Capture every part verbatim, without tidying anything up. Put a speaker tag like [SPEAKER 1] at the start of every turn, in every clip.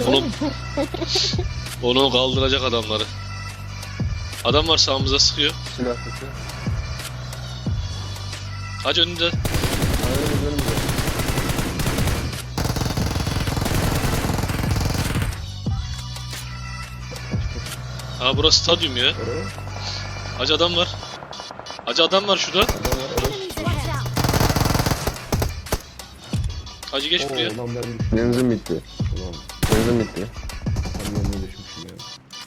[SPEAKER 1] Onu, onu kaldıracak adamları. Adam var sağımıza sıkıyor.
[SPEAKER 2] Silah sesi.
[SPEAKER 1] Hacı önünde.
[SPEAKER 2] Aynen önümüzde.
[SPEAKER 1] Ha burası stadyum ya.
[SPEAKER 2] Oraya.
[SPEAKER 1] Hacı adam var. Hacı adam var şurada.
[SPEAKER 2] Adam var. Evet.
[SPEAKER 3] Watch out!
[SPEAKER 1] Hacı geç buraya.
[SPEAKER 2] Oo, lan ben düştüm. Benzin bitti. Ulan benzin bitti. Kamyonuna düşmüşüm ya.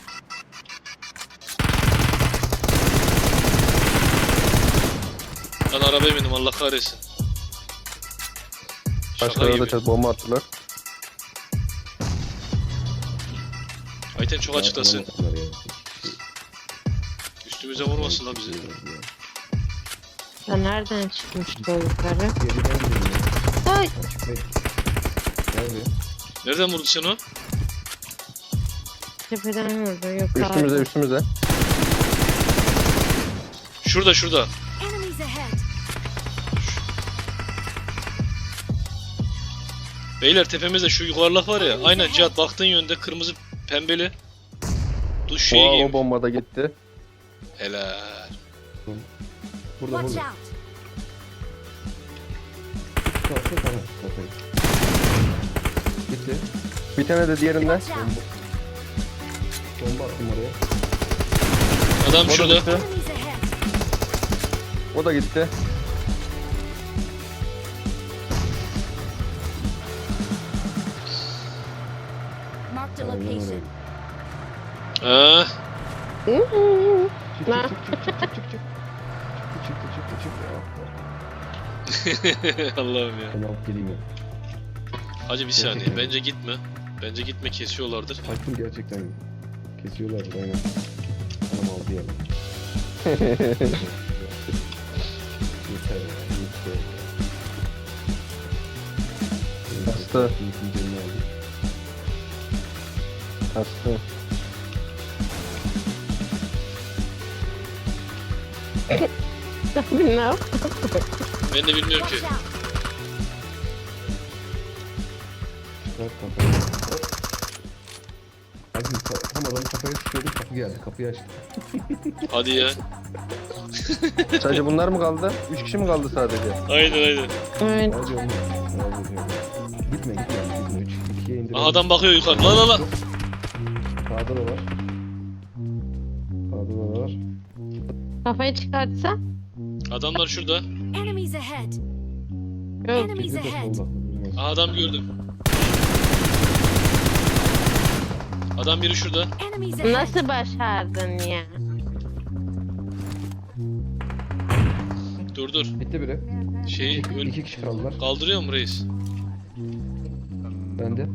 [SPEAKER 1] Ben arabaya bindim Allah kahretsin. Şaka
[SPEAKER 2] Başkaları da
[SPEAKER 1] gibi.
[SPEAKER 2] çat bomba attılar.
[SPEAKER 1] Ayten çok açıklasın.
[SPEAKER 2] Ya, bunlar ya.
[SPEAKER 1] Üstümüze vurmasın la bizi.
[SPEAKER 4] Ya nereden çıkmıştı o yukarı?
[SPEAKER 2] Geriden gidelim ya.
[SPEAKER 4] Ay!
[SPEAKER 2] Açık bek. Gel buraya.
[SPEAKER 1] Nereden vurdu sen o?
[SPEAKER 4] Tepeden vurdu. Yok
[SPEAKER 2] Üstümüze
[SPEAKER 4] abi.
[SPEAKER 2] üstümüze.
[SPEAKER 1] Şurada şurada.
[SPEAKER 3] Enemies ahead!
[SPEAKER 1] Beyler tepemizde şu yuvarlak var ya. Aynen Cihat baktığın yönde kırmızı pembeli. Duş şeyi
[SPEAKER 2] O, o
[SPEAKER 1] giymiş.
[SPEAKER 2] bomba da gitti.
[SPEAKER 1] Helal.
[SPEAKER 2] Burada
[SPEAKER 3] Watch
[SPEAKER 2] burada.
[SPEAKER 3] out!
[SPEAKER 2] Kalsın tamam. Kafayı. Gitti. Bir tane de diğerinden.
[SPEAKER 3] Watch out!
[SPEAKER 2] Bomba attım oraya.
[SPEAKER 1] Adam
[SPEAKER 2] O da
[SPEAKER 1] şurada.
[SPEAKER 2] gitti.
[SPEAKER 3] Enemies ahead!
[SPEAKER 2] O da gitti.
[SPEAKER 3] Marked a
[SPEAKER 2] Aynen öyle.
[SPEAKER 3] location.
[SPEAKER 1] Ha.
[SPEAKER 2] Çık
[SPEAKER 4] Ne?
[SPEAKER 2] çık çık çık çık çık çık. Çıktı çıktı çıktı çıktı.
[SPEAKER 1] Allah'ım ya.
[SPEAKER 2] Ben alıp geleyim ya.
[SPEAKER 1] Hacı bir saniye. Bence gitme. Bence gitme kesiyorlardır.
[SPEAKER 2] Hakim gerçekten kesiyorlar aynen. Anam aldı ya. Yeter ya. Yeter. Hasta. Hasta.
[SPEAKER 4] Abi ne yaptın?
[SPEAKER 1] Ben de bilmiyorum ki.
[SPEAKER 3] Watch out!
[SPEAKER 2] Çıkar kafayı. Hadi ka- tam adamın kafaya sıkıyordum, kapı geldi, kapıyı açtı.
[SPEAKER 1] Hadi ya.
[SPEAKER 2] Sadece bunlar mı kaldı? Üç kişi mi kaldı sadece?
[SPEAKER 1] Aynen aynen.
[SPEAKER 4] Evet.
[SPEAKER 2] Hadi oğlum. Hadi diyorum. Gitme gitme. Gitme. Üç, ikiye indirelim.
[SPEAKER 1] Aha, adam bakıyor yukarı. La la la.
[SPEAKER 2] Sağda da var. Sağda da var.
[SPEAKER 4] Kafayı çıkartsa?
[SPEAKER 1] Adamlar şurada.
[SPEAKER 3] Enemies ahead!
[SPEAKER 4] Yok.
[SPEAKER 3] Enemies
[SPEAKER 2] Bizi de
[SPEAKER 3] ahead!
[SPEAKER 2] solda.
[SPEAKER 1] Aha, adam gördüm. Adam biri şurada.
[SPEAKER 3] Enemies ahead!
[SPEAKER 4] Nasıl başardın ya?
[SPEAKER 1] Dur dur.
[SPEAKER 2] Bitti biri.
[SPEAKER 1] Şeyi öl
[SPEAKER 2] İki kişi kaldılar.
[SPEAKER 1] kaldırıyor mu reis?
[SPEAKER 2] Ben de.